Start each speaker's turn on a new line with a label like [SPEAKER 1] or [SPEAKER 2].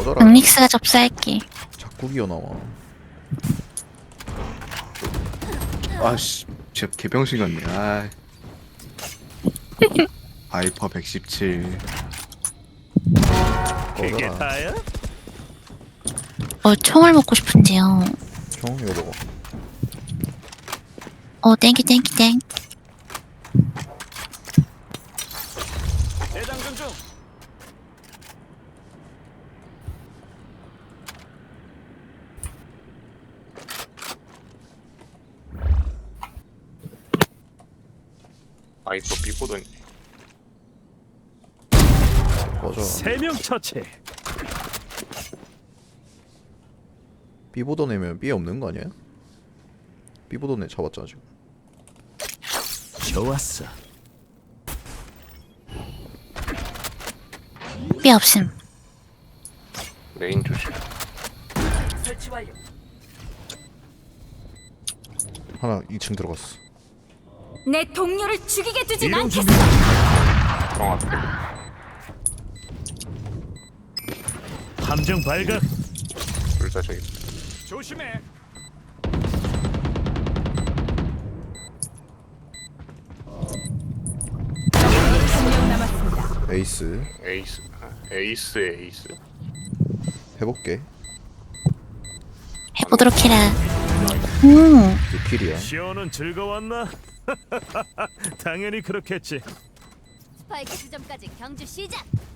[SPEAKER 1] 꺼져라.
[SPEAKER 2] 닉스가 접수할게.
[SPEAKER 1] 자꾸 기어나와.
[SPEAKER 3] 아씨, 제 개병신 같네. 아. 하이퍼 117.
[SPEAKER 4] 그게
[SPEAKER 1] 꺼져라.
[SPEAKER 4] 다야?
[SPEAKER 2] 총을 먹고 싶은데요.
[SPEAKER 1] 총 이거 먹어.
[SPEAKER 2] 땡큐 땡큐 땡.
[SPEAKER 4] 대장전 중.
[SPEAKER 5] 아이퍼 삐보더니
[SPEAKER 1] 꺼져라.
[SPEAKER 4] 3명 처치.
[SPEAKER 1] B보던 애면 B 없는 거 아니야? B보던 애 잡았잖아 지금.
[SPEAKER 4] 좋았어.
[SPEAKER 2] 삐 없음.
[SPEAKER 5] 메인 조심.
[SPEAKER 1] 하나 2층 들어갔어.
[SPEAKER 6] 내 동료를 죽이게 두진
[SPEAKER 4] 이런
[SPEAKER 6] 않겠어.
[SPEAKER 5] 정 앞에
[SPEAKER 4] 함정 발각.
[SPEAKER 5] 둘 다 저기.
[SPEAKER 4] 조심해.
[SPEAKER 6] 한명 남았습니다.
[SPEAKER 1] 에이스
[SPEAKER 5] 에이스. 에이스.
[SPEAKER 1] 해볼게.
[SPEAKER 2] 해보도록 해라.
[SPEAKER 1] 6킬이야.
[SPEAKER 4] 시오는 즐거웠나? 당연히 그렇겠지.
[SPEAKER 6] 스파이크 지점까지 경주 시작.